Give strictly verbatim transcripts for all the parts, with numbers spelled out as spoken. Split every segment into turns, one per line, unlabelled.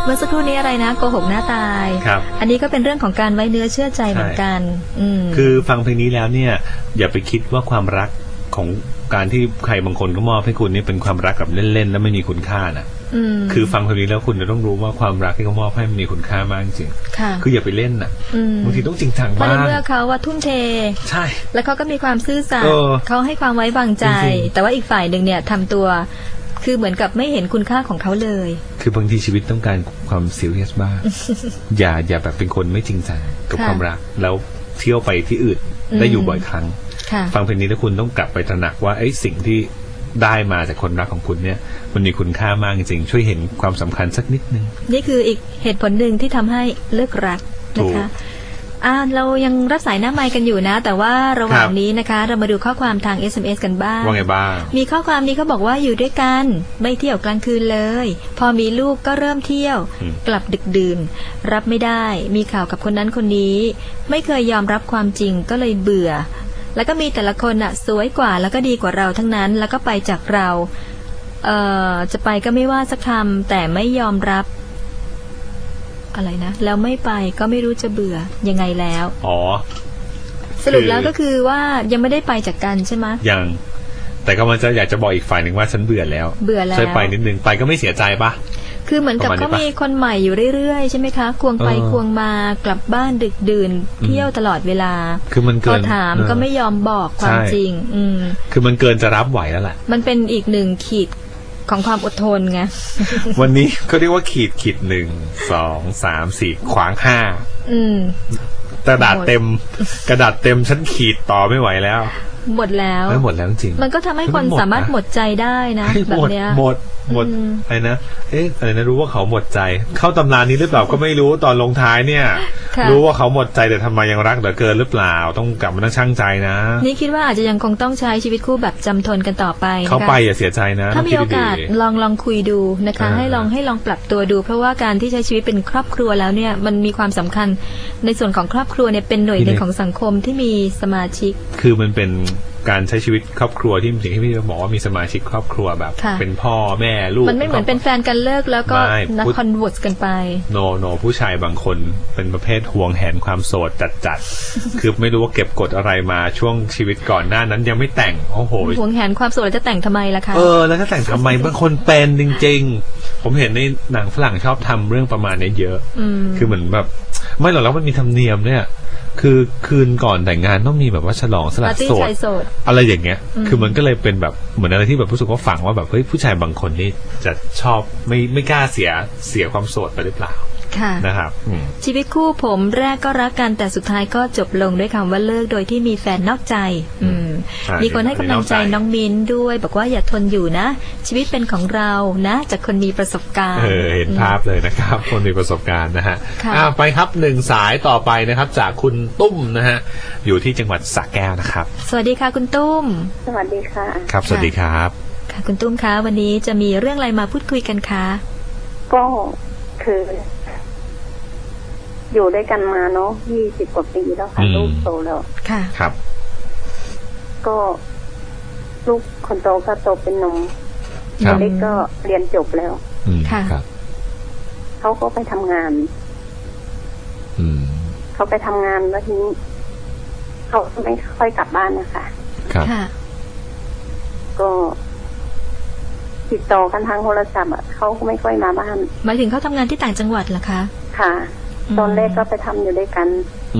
เมื่อสักครู่นี้อะไรนะโกหกหน้าตาย
ครับ
อันนี้ก็เป็นเรื่องของการไว้เนื้อเชื่อใจเหมือนกัน
คือฟังเพลงนี้แล้วเนี่ยอย่าไปคิดว่าความรักของการที่ใครบางคนก็มอบให้คุณนี่เป็นความรักแบบเล่นๆแล้วไม่มีคุณค่านะคือฟังเพลงนี้แล้วคุณจะต้องรู้ว่าความรักที่เขามอบให้มันมีคุณค่ามากจริงคืออย่าไปเล่นน่ะบางทีต้องจริงจังบ้างเพราะ
เมื่อเขาว่าทุ่มเท
ใช่
แล้วเขาก็มีความซื่อสัตย์เขาให้ความไว้วางใจแต่ว่าอีกฝ่ายหนึ่งเนี่ยทำตัวคือเหมือนกับไม่เห็นคุณค่าของเขาเลย
คือบางทีชีวิตต้องการความซีเรียสบ้าง อย่าอย่าแบบเป็นคนไม่จริงจังกับความรักแล้วเที่ยวไปที่อื่นได้อยู่บ่อยครั้งฟังเพลงนี้แล้วคุณต้องกลับไปตระหนักว่าไอ้สิ่งที่ได้มาจากคนรักของคุณเนี่ยมันมีคุณค่ามากจริงๆช่วยเห็นความสำคัญสักนิดนึง
นี่คืออีกเหตุผลหนึ่งที่ทำให้เลิกรักนะคะอ่าเรายังรับสายหน้าไมค์กันอยู่นะแต่ว่าระหว่างนี้นะคะเรามาดูข้อความทาง เอส เอ็ม เอส กันบ้าง
ว่าไงบ้าง
มีข้อความนี้เขาบอกว่าอยู่ด้วยกันไม่เที่ยวกลางคืนเลยพอมีลูกก็เริ่มเที่ยวกลับดึกดื่นรับไม่ได้มีข่าวกับคนนั้นคนนี้ไม่เคยยอมรับความจริงก็เลยเบื่อแล้วก็มีแต่ละคนอ่ะสวยกว่าแล้วก็ดีกว่าเราทั้งนั้นแล้วก็ไปจากเราเอ่อจะไปก็ไม่ว่าสักคำแต่ไม่ยอมรับอะไรนะแล้วไม่ไปก็ไม่รู้จะเบื่อยังไงแล้ว
อ๋อ
สรุปแล้วก็คือว่ายังไม่ได้ไปจากกันใช่ไหม
ยังแต่ก็มันจะอยากจะบอกอีกฝ่ายหนึ่งว่าฉันเบื่อแล้ว
เบื่อแล้ว
ช่วยไปนิดนึงไปก็ไม่เสียใจปะ
คือเหมือนกับเขามีคนใหม่อยู่เรื่อยๆใช่ไหมคะควงไปควงมากลับบ้านดึกดื่นเที่ยวตลอดเวลา
คือมันเกินพอ
ถามก็ไม่ยอมบอกความจริงอืม
คือมันเกินจะรับไหวแล้วแหละ
มันเป็นอีกหนึ่งขีดของความอดทนไง
วันนี้เขาเรียกว่าขีดขีดหนึ่งสองสามสี่ขวางห้าอืมกระดาษเต็มกระดาษเต็มฉันขีดต่อไม่ไหวแล้ว
หมดแล้ว
ไม่หมดแล้วจริง
มันก็ทำให้คนสามารถหมดใจได้นะแบบเนี้ย
หมดหมดอะไรนะเอ๊ะอะไรนะรู้ว่าเขาหมดใจเข้าตำรานี้หรือเปล่าก็ไม่รู้ตอนลงท้ายเนี่ยรู้ว่าเขาหมดใจแต่ทำไมยังรักเหลือเกินหรือเปล่าต้องกลับมานั่งชั่งใจนะ
นี่คิดว่าอาจจะยังคงต้องใช้ชีวิตคู่แบบจำทนกันต่อไป
เขาไปอย่าเสียใจนะ
ถ้ามีโอกาสลองลองคุยดูนะคะให้ลองให้ลองปรับตัวดูเพราะว่าการที่ใช้ชีวิตเป็นครอบครัวแล้วเนี่ยมันมีความสำคัญในส่วนของครอบครัวเนี่ยเป็นหน่วยหนึ่งของสังคมที่มีสมาชิก
คือมันเป็นการใช้ชีวิตครอบครัวที่สิ่งที่พี่บอกว่ามีสมาชิกครอบครัวแบบเป็นพ่อแม่ลูก
มันไม่เหมือนเป็นแฟนกันเลิกแล้วก็นักคอนเวิร์สกันไป
โนโนผู้ชายบางคนเป็นประเภทห่วงแหนความโสดจัดๆ คือไม่รู้ว่าเก็บกดอะไรมาช่วงชีวิตก่อนหน้านั้นยังไม่แต่งโอ้โห
ห่วงแหนความโสดจะแต่งทำไมล่ะคะ
เออแล้วจะแต่งทำไมบางคนเป็นจริงๆผมเห็นในหนังฝรั่งชอบทำเรื่องประมาณนี้เยอะคือเหมือนแบบไม่หรอกแล้วมันมีธรรมเนียมเนี่ยคือคืนก่อนแต่งงานต้องมีแบบว่าฉลองสละโสดอะไรอย่างเงี้ยคือมันก็เลยเป็นแบบเหมือนอะไรที่แบบรู้สึกว่าฝังว่าแบบเฮ้ยผู้ชายบางคนนี่จะชอบไม่ไม่กล้าเสียเสียความโสดไปหรือเปล่านะครับ
ชีวิตคู่ผมแรกก็รักกันแต่สุดท้ายก็จบลงด้วยคำว่าเลิกโดยที่มีแฟนนอกใจมีคนให้กำลังใจน้องมิ้นด้วยบอกว่าอย่าทนอยู่นะชีวิตเป็นของเรานะจากคนมีประสบการณ์
เออเห็นภาพเลยนะครับคนมีประสบการณ์นะฮะไปครับหนึ่งสายต่อไปนะครับจากคุณตุ้มนะฮะอยู่ที่จังหวัดสระแก้วนะครับ
สวัสดีค่ะคุณตุ้ม
สวัสดีค่ะ
ครับสวัสดีครับ
ค่ะคุณตุ้มคะวันนี้จะมีเรื่องอะไรมาพูดคุยกันคะ
ก็คืออยู่ด้วยกันมาเนาะยี่สิบกว่าปีแล้วค่ะลูกโตแล้ว
ค่ะ
ครับ
ก็ลูกคนโตก็โตเป็นหนุ่มคนเล็กก็เรียนจบแล้ว
ค่ะ
เขาก็ไปทำงานเขาไปทำงานแล้วทีนี้เขาไม่ค่อยกลับบ้านนะคะ
ค่ะ
ก็ติดต่อกันทางโทรศัพท์อ่ะเขาไม่ค่อยมาบ้าน
หมายถึงเขาทำงานที่ต่างจังหวัดเหรอคะ
ค่ะตอนแรกก็ไปทำอยู่ด้วยกัน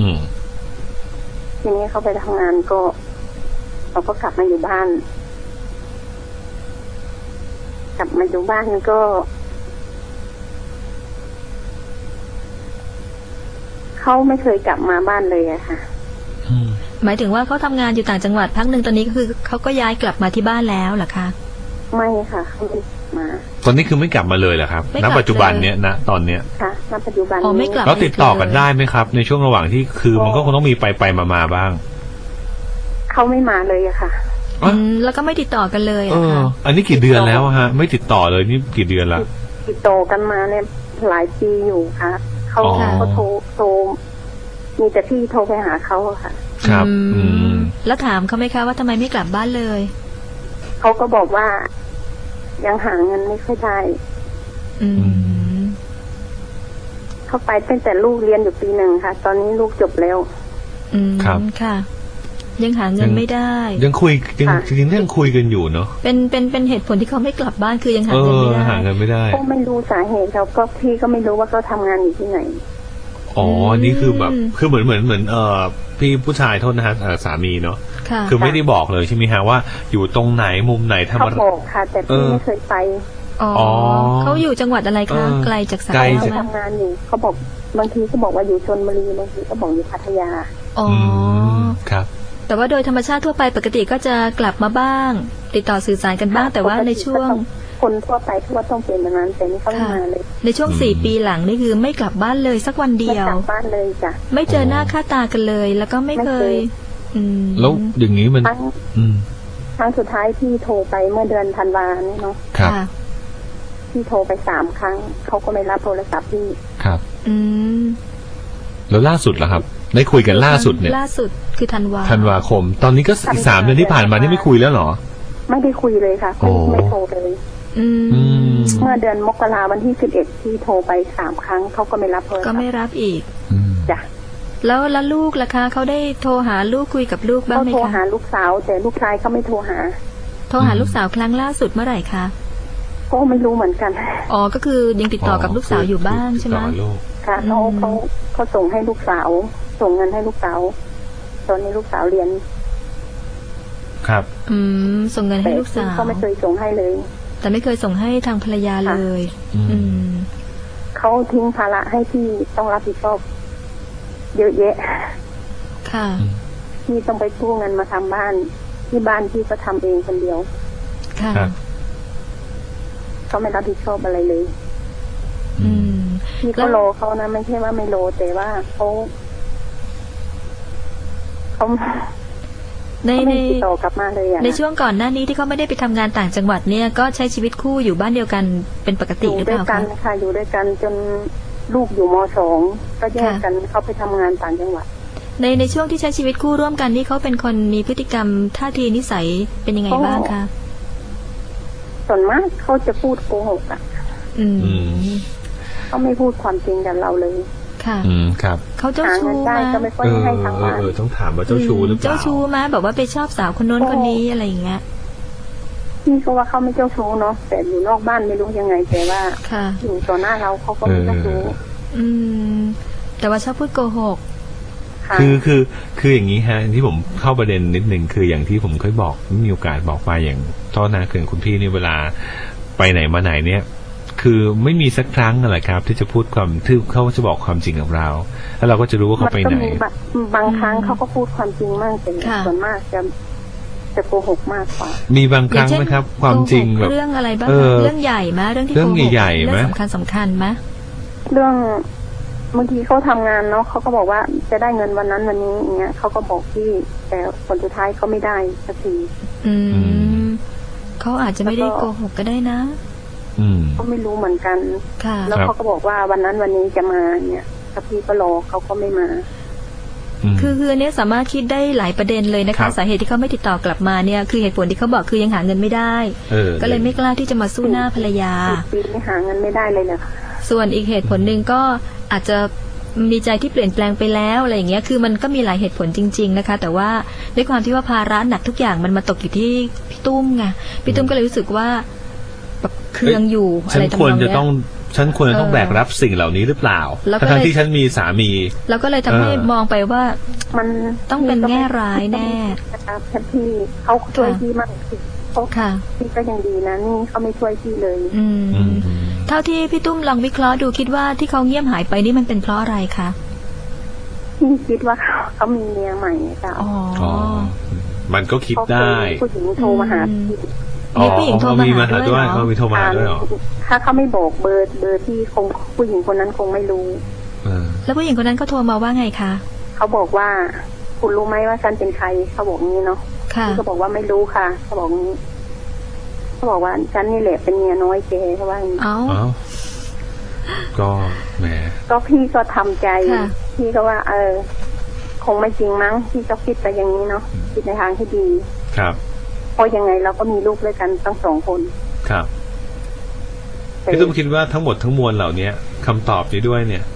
ทีนี้เขาไปทำงานก็เราก็กลับมาอยู่บ้านกลับมาอยู่บ้านก็เขาไม่เคยกลับมาบ้านเลยอะค่ะ
หมายถึงว่าเขาทำงานอยู่ต่างจังหวัดพักหนึ่งตอนนี้ก็คือเขาก็ย้ายกลับมาที่บ้านแล้วเหรอคะ
ไม่ค่ะเขาไม่มา
ตอนนี้คือไม่กลับมาเลยเหรอครับณปัจจุบันเนี้ยนะตอนเนี้ย
ค่ะณปัจจุบัน
อ๋อไม่กลับ
แล้วติดต่อกันได้ไหมครับในช่วงระหว่างที่คือมันก็คงต้องมีไปไปมามาบ้าง
เขาไม่มาเลยอะค่ะ
อืมแล้วก็ไม่ติดต่อกันเลยอะค่ะ
อันนี้กี่เดือนแล้วฮะไม่ติดต่อเลยนี่กี่เดือนละ
ติดต่อกันมาเนี่ยหลายปีอยู่ค่ะเขาเขาโทรโทรมีแต่พี่โทรไปหาเขาค่ะ
ครับอืม
แล้วถามเขาไหมคะว่าทำไมไม่กลับบ้านเลย
เขาก็บอกว่ายังหาเงินไม่ค่อยได้
อืม
เขาไปตั้งแต่ลูกเรียนอยู่ปีหนึ่งค่ะ ตอนนี้ลูกจบแล้ว
อืม
ครับ
ค่ะ ยังหาเงินไม่ได้
ยังคุยยัง
ค่ะ
จริงๆยังคุยกันอยู่เนาะ
เป็นเป็นเป็นเหตุผลที่เขาไม่กลับบ้านคือยังหา
เอ
เงิน
อ
ไม่ได้
หาเงินไม่ได้
ก็ไม่รู้สาเหตุเขาก็พี่ก็ไม่รู้ว่าเขาทำงานอยู่ที่ไหน
อ๋อ
อืม
นี่คือแบบคือเหมือนเหมือนเหมือนเอ่อพี่ผู้ชายโทษนะฮะเอ่อสามีเนาะ
ค่ะ
คือไม่ได้บอกเลยใช่ไหมฮะว่าอยู่ตรงไหนมุมไหนทำ
เขา
อะไร
บอกค่ะ แต่
เอ
พี่
อ
ไม่เคยไป
อ๋อ
อ๋อ
เขาอยู่จังหวัดอะไร
เอ
คะ
อ
ไกลจากสา
ไกล
ย
เขา
ไหม
ทำงานอยู่เขาบอกบางทีเขาบอกว่าอยู่ชลบุรีบางทีก็บอกอยู่พัทยา
อ๋อ
อื
อ
มครับ
แต่ว่าโดยธรรมชาติทั่วไปปกติก็จะกลับมาบ้าง ติดต่อสื่อสารกันบ้าง แต่ว่าในช่วง
คนทั่วไปทั่วต้องเป็นแบบนั้นแต่นี่เขาไม่
ค่ะ
มาเลย
ในช่วง
อืม
สี่ปีหลังนี่คือไม่กลับบ้านเลยสักวัน
ไม่
เดีย
ก
ว
ลับบ้านเลยจ้ะ
ไม่เจอหน้าค่าตากันเลย แล้วก็ไม่เค
ไม่เค
ย
ย
อืม
แล้วอย่างนี้มัน
ครั้ง
อืม
ครั้งสุดท้ายที่โทรไปเมื่อเดือนธันวาเนี่ยเนาะ
ครับ
ค่ะ
ที่โทรไปสามครั้งเขาก็ไม่รับโทรศัพท์พี่
ครับ
อืม
แล้วล่าสุดล่ะครับ ได้คุยกันล่าสุดเนี่ย
ล่าสุดคือธันวา
ธันวาคม ตอนนี้ก็อีกสามเดือนที่ผ่านมานี่ไม่คุยแล้วเหรอ
ไม่ได้คุยเลยค่ะ
โอ้
ไม่ไม่โทรเลย
อืม
อืม
เมื่อเดือนมกราวันที่สิบเอ็ดที่โทรไปสามครั้งเขาก็ไม่รับโทรศั
ก็
พท์
ไม่รับอีก
อืม
จ้ะ
แล้วแล้วลูกล่ะคะเขาได้โทรหาลูกคุยกับลูกบ้าง
เขา
ไหม
โทร
คะ
หาลูกสาว แต่ลูกชายเขาไม่โทรหา
โทรหาลูกสาวครั้งล่าสุดเมื่อไหร่คะ
ก็ไม่รู้เหมือนกัน
อ๋อก็คือยังติดต่อกับลูกสาวอยู่บ้างใช่ไหม
ติดต่อลูก
ค่ะเขา
อืม
เขาเขาส่งให้ลูกสาว ส่งเงินให้ลูกสาวตอนนี้ลูกสาวเรียน
ครับ
อืมส่งเงินให้
แต่
ลูกสาว
เขาไม่เคยส่งให้เลย
แต่ไม่เคยส่งให้ทางภรรยาเลย
อืม
อืม
เขาทิ้งภาระให้พี่ต้องรับผิดชอบเยอะแยะ
ค่ะ
พี่ต้องไปกู้เงินมาทำบ้าน ที่บ้านพี่ก็ทำเองคนเดียว
ค่ะ
ครับ
เขาไม่รับผิดชอบอะไรเลย
อืม
พี่
แล้
ก็
ว
โลเขานะไม่ใช่ว่าไม่โลแต่ว่าเขาเขา
ใน
เขา
ใน
ไม่ติดต่อกลับมาเลยอะ
ในช่วงก่อนหน้านี้ที่เขาไม่ได้ไปทำงานต่างจังหวัดเนี่ยก็ใช้ชีวิตคู่อยู่บ้านเดียวกันเป็นปก
อ
ติ
ยู่
หรือ
ด้
เป
วย
ล่า
กั
คะ
นค่ะอยู่ด้วยกันจนลูกอยู่มสองก็แยก
ค่ะ
กันเขาไปทำงานต่างจังหวัด
ในในช่วงที่ใช้ชีวิตคู่ร่วมกันนี่เขาเป็นคนมีพฤติกรรมท่าทีนิสัยเป็นยังไงบ้างคะ
ส่วนมากเขาจะพูดโกหกอะ
อืม
อืม
เขาไม่พูดความจริงกับเราเลย
ค่ะ
อืมครับ
เขาเจ้า
หา
ชู้
เงินได้
มา
ก็ไม่ค่อย
เออ
ให้ทางบ้าน
เออต้องถามว่าเจ้าชู้หรือเปล่า
เจ้าชู้มาแบบว่าไปชอบสาวคนโน้น
โอ้
คนนี้อะไรอย่างเงี้ย
พี่ก็ว่าเขาไม่เจ้าชู้เนาะแต่อยู่นอกบ้านไม่รู้ยังไงแต่ว่า
ค่ะ
อยู่ต่อหน้าเราเขาก็ไม่เจ้าชู้
อืม แต่ว่าชอบพูดโกหก
ค่ะ
คือคือคืออย่างนี้ฮะที่ผมเข้าประเด็นนิดนึงคืออย่างที่ผมเคยบอกมีโอกาสบอกไปอย่างท่อนาเขื่อนคุณพี่นี่เวลาไปไหนมาไหนเนี่ย คือไม่มีสักครั้งอะไรครับ ที่จะพูดความที่เขาจะบอกความจริงกับเรา แล้วเราก็จะรู้ว่าเขาไป
มัน
ไหน
ก็มีบะบางครั้งเขาก็พูดความจริงมากแต่
ค่ะ
ส่วนมากจะจะโกหกมากกว่า
มีบางครั้งไหมครับ ความจริง
โกหก
แบบ
เรื่องอะไรบ้าง
เอ
คะ
อ
เรื่องใหญ่ไหมเรื่องที่
เรื่อง
โกหก
ใหญ่ๆไหม
เรื่องสำคัญสำคัญไหม
เรื่องบางทีเขาทำงานเนาะเขาก็บอกว่าจะได้เงินวันนั้นวันนี้อย่างเงี้ยเขาก็บอกพี่แต่ผลสุดท้ายเขาไม่ได้สักที
อืมเขาอาจจะไม่ได้โกหกก็ได้นะ
อืม
ก็ไม่รู้เหมือนกัน
ค่ะ
แล้ว
ครับ
เขาก็บอกว่าวันนั้นวันนี้จะมาเนี่ยถ้าพี่ก็รอเขาก็ไม่มา
ม
คือคืออันเนี้ยสามารถคิดได้หลายประเด็นเลยนะ
ครั
คะ
บ
สาเหตุที่เขาไม่ติดต่อกลับมาเนี่ยคือเหตุผลที่เขาบอกคือยังหาเงินไม่ได้
เออ
ก็เลยไม่กล้าที่จะมาสู้หน้าภรรยา
ปีนี้หาเงินไม่ได้เลยเลยค่ะ
ส่วนอีกเหตุผลหนึ่งก็อาจจะมีใจที่เปลี่ยนแปลงไปแล้วอะไรอย่างเงี้ยคือมันก็มีหลายเหตุผลจริง ๆนะคะ แต่ว่าด้วยความที่ว่าภาระหนักทุกอย่างมันมาตกอยู่ที่พี่ตุ้มไงพี่ตุ้มก็เลยรู้สึกว่าแบบเคืองอยู่อะ
ฉั
ไร
น
ทำน
คว
อ
รง จะ
เนี้ย
ต้องฉันควรจะต้อง
เออ
แบกรับสิ่งเหล่านี้หรือเปล่า
แล้วก็
ทั้ง
เลย
ที่ฉันมีสามี
แล้วก็เลยทำให้
เออ
มองไปว่า
มัน
ต้องเป็นแง่ร้ายแน่
นะครับแค่พี่เขาช่วยพี่มากเขา
ค่ะ
พี่ก็ยังดีนะนี่เขาไม่ช่วยพี่เลย
อืม
อืม
เท่าที่พี่ตุ้มลองวิเคราะห์ดูคิดว่าที่เขาเงียบหายไปนี่มันเป็นเพราะอะไรคะ
พี่คิดว่าเขาเขามีเมียใหม่จ้ะ
อ๋อ
อ๋อ มันก็คิด
เขาเค
ได้
ยผู้หญิงโทรมาหาพี่
มีผู้หญิงโทรมา
มี
หา
มาหา
ด้
ด้
ว
วย ย
เหรอ
เขามีโทรมาหาด้วยเหรอ
ถ้าเขาไม่บอกเบอร์เบอร์ที่คงผู้หญิงคนนั้นคงไม่รู้
เออ
แล้วผู้หญิงคนนั้นเขาโทรมาว่าไงคะ
เขาบอกว่า คุณรู้ไหมว่าฉันเป็นใครเขาบอกงี้เนาะ
ค่ะ
พี่ก็บอกว่าไม่รู้ค่ะเขาบอกงี้เขาบอกว่าฉันนี่แหละเป็นเมียน้อยแกเขาว่าอย่างนี้
เอ้า
เอ้าก็แหม
ก็พี่ก็ทำใจ
ค่ะ
พี่ก็ว่า เออ คงไม่จริงมั้งพี่ก็คิดไปอย่างนี้เนาะคิดในทางที่ดี
ครับ
เพราะยังไงเราก็มีลูกด้วยกันตั้งสองคน
ครับ
แต่
พี่ตุ้มคิดว่าทั้งหมดทั้งมวลเหล่านี้คำตอบนี้ด้วยเนี่ย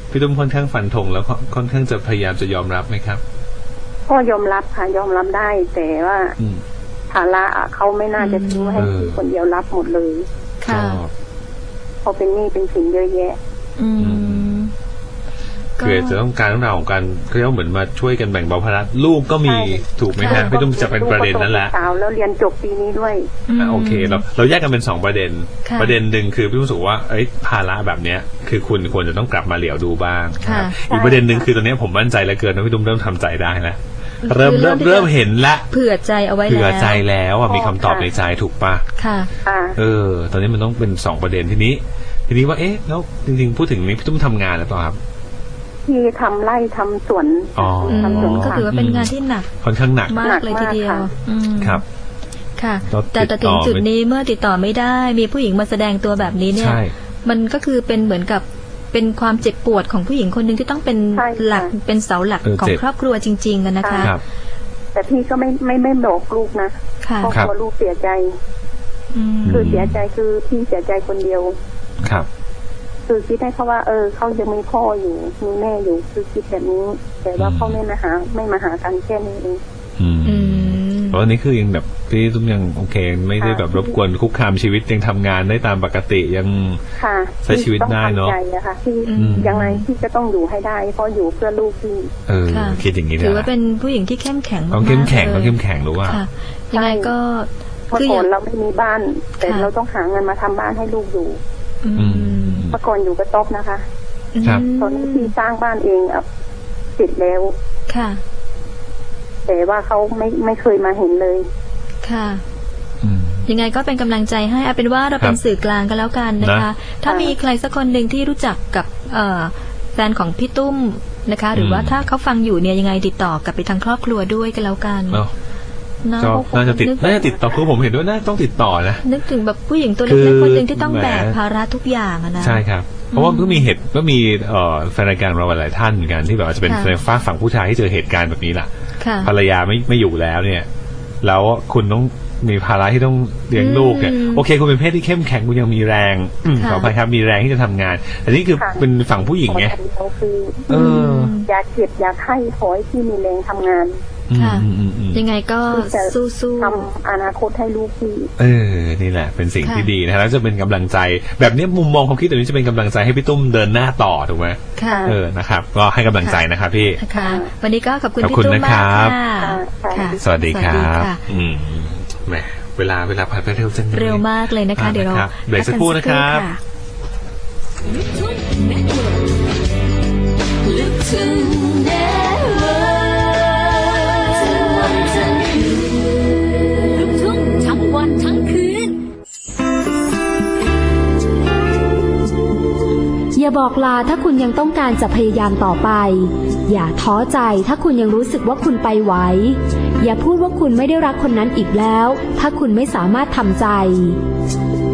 พี่ตุ้มค่อนข้างฟันธงแล้วค่อนค่อนข้างจะพยายามจะยอมรับไหมครับ
ก็ยอมรับค่ะยอมรับได้ แต่ว่า
อืม
ภาระอะเขาไม่น่าจะทิ้งให้
เออ
พี่คนเดียวรับหมดเลย
ค่ะ
เพราะเป็นหนี้เป็นสินเยอะแยะ
อืม
คือจะต้องการเรื่องราวของการเขาเรียกว่าเหมือนมาช่วยกันแบ่งเบาภาระลูกก็มี
ใช่
ถูกไหม
ค่ะ
ฮะพี่ตุ้มจะเป็นประเด็นนั้นแหละ
ลูกก็โตเป็นสาวแล้วเรียนจบปีนี้ด้วย
อ่ะโอเคเราเราแยกกันเป็นสองประเด็น
ค่ะ
ประเด็นหนึ่งคือพี่รู้สึกว่าเอ้ยภาระแบบเนี้ยคือคุณควรจะต้องกลับมาเหลียวดูบ้างนะครับ
ค่ะ
อีกประเด็นหนึ่งคือตอนนี้ผมมั่นใจเหลือเกินว่าพี่ตุ้มเริ่มทำใจได้แล้วเริ่ม
คือเริ่
เริ่
ม
ม
ที่
เริ่ม
จะ
เห็นละ
เผื่อใจเอาไว้แล้ว
เผื่อใจแล้วอ่ะมีคำตอบในใจถูกปะ
ค่ะ
ค่ะ
เออ ตอนนี้มันต้องเป็นสองประเด็นทีนี้ ทีนี้ว่าเอ๊ะแล้วจริงๆพูดถึงนี้พี่ตุ้มทำงานหรือเปล่าครับ
ที่ทำไร่ทำสวน
อ๋อ
อืม
ทำสวน
ก็
ค่ะ
ถือว่าเป็นงานที่หนัก
ค่อนข้างหนัก
มากเลยทีเดียว
หนักมากค่ะ
อืม
ครับ
ค่ะ
แล้ว
แต่แต่
ติดต่
ถึ
อง
จุด
ไม่
นี้เมื่อติดต่อไม่ได้ มีผู้หญิงมาแสดงตัวแบบนี้เนี่ย
ใช่
มันก็คือเป็นเหมือนกับเป็นความเจ็บปวดของผู้หญิงคนหนึ่งที่ต้องเป็น
ใช่ค่ะ
หลักเป็นเสาหลัก
เออ
ของ
เจ็บ
ครอบครัวจริงๆกันนะคะ
ครับ
แต่พี่ก็ไม่ไม่ไม่บอกลูกนะ
ค่ะ
เพราะ
ครับ
กลัวลูกเสียใจ
อืม
คือเสียใจคือพี่เสียใจคนเดียว
ครับ
คือคิดให้เขาว่า เออเขายังมีพ่ออยู่มีแม่อยู่คือคิดแบบนี้ แต่ว่า
อืม
เขาไม่มาหาไม่มาหากันแค่นี้เอง
อืม
อืม
เพราะอันนี้คือยังแบบพี่ตุ้มยังโอเค ไม่ได้แบบรบกวนคุกคามชีวิตยังทำงานได้ตามปกติยัง
ค่ะ
ใช้ชีวิตได้เนอะ
พี่ต้องทำใจอะค่ะที่
อืม
ยังไงพี่ก็ต้องอยู่ให้ได้ เพราะอยู่เพื่อลูกพี่
เออ
ค่ะ
คิดอย่างนี้
ถือ
นะ
ว่าเป็นผู้หญิงที่เข้มแข็ง
ต้องเข้มแข็ง
ากๆ
ต้อง
ลย
เข้มแข็งรู้ว่า
ค่ะ ยังไงก็
เมื่อ
คือ
ก่
อ
อน
ย่าง
เราไม่มีบ้าน แต่
ค่ะ
เราต้องหาเงินมาทำบ้านให้ลูกอยู่
อืม
อืม
เมื่อก่อนอยู่กระต๊อบนะคะ
ครับ
ตอนนี้พี่สร้างบ้านเองอ่ะเสร็จแล้ว
ค่ะ
แต่ว่าเขาไม่ไม่เคยมาเห็นเลย
ค่ะ
อืม
ยังไงก็เป็นกำลังใจให้เอาเป็นว่าเราเป็น
ครับ
สื่อกลางกันแล้วกันนะคะ
นะ
ถ้ามีใครสักคนหนึ่งที่รู้จักกับเอ่อแฟนของพี่ตุ้มนะคะ หรือว่า
อืม
ถ้าเขาฟังอยู่เนี่ยยังไงติดต่อกลับไปทางครอบครัวด้วยกันแล้วกัน
เนาะ
เนาะ
ก็น่าจะติด
นึก
น่าจะติดต่อคือผมเห็นด้วยน่าต้องติดต่อนะ
นึกถึงแบบผู้หญิงตัว
คื
เล็ก
อ
ๆคนหนึ่งที่ต้อง
แหม
แบกภาระทุกอย่างอะนะ
ใช่ครับ เพราะว่าเพิ่งมีเหตุก็มีเอ่อแฟนรายการเราหลายท่านเหมือนกันที่แบบว่าจะเป็น
ค่ะ
ในฝากฝั่งผู้ชายที่เจอเหตุการณ์แบบนี้แหละ
ค่ะ
ภรรยาไม่ไม่อยู่แล้วเนี่ย แล้วคุณต้องมีภาระที่ต้องเลี้ยงลูกเนี่ย
อืม
โอเคคุณเป็นเพศที่เข้มแข็งคุณยังมีแรงอืม
ค่ะ
ขออภัยครับมีแรงที่จะทำงานอันนี้คือ
ค่ะ
เป็นฝั่งผู้หญิงไง
ขออย่างเดียวคือ
เออ
อยากเก็บอยากให้ขอให้พี่มีแรงทำงาน
ค่ะ
อืมอืมอืม
ยังไงก็
ที่จะ
สู้
ทำอนาคตให้ลูกพี่
เออนี่แหละเป็นสิ่ง
ค่ะ
ที่ดีนะแล้วจะเป็นกำลังใจ แบบนี้มุมมองความคิดแบบนี้จะเป็นกำลังใจให้พี่ตุ้มเดินหน้าต่อถูกไหม
ๆค่ะ
เออนะครับ ก็ให้กำลังใจนะครับพี่
นะคะวันนี้ก็ขอบคุณ
ขอบ
พี่
คุณ
ตุ้ม
นะ
มา
ครั
ก
บ
ค่ะ
ค่ะ
ค่ะ
สวัสดีครับ
ค่ะ
อืมแหมเวลาเวลาผ่านไปเร็วจังลย
เร็วมากเลยนะคะ
อ่า
เดี๋ยวเรา
นะครับเบรกสักครู่นะครับ
พักกั
ลูกทุ่งเน็ตเวิร์กทั้งวันทั้งคืนลูกทุ่งทั้งวันทั้งคืน
อย่าบอกลาถ้าคุณยังต้องการจะพยายามต่อไป อย่าท้อใจถ้าคุณยังรู้สึกว่าคุณไปไหว อย่าพูดว่าคุณไม่ได้รักคนนั้นอีกแล้ว ถ้าคุณไม่สามารถทำใจ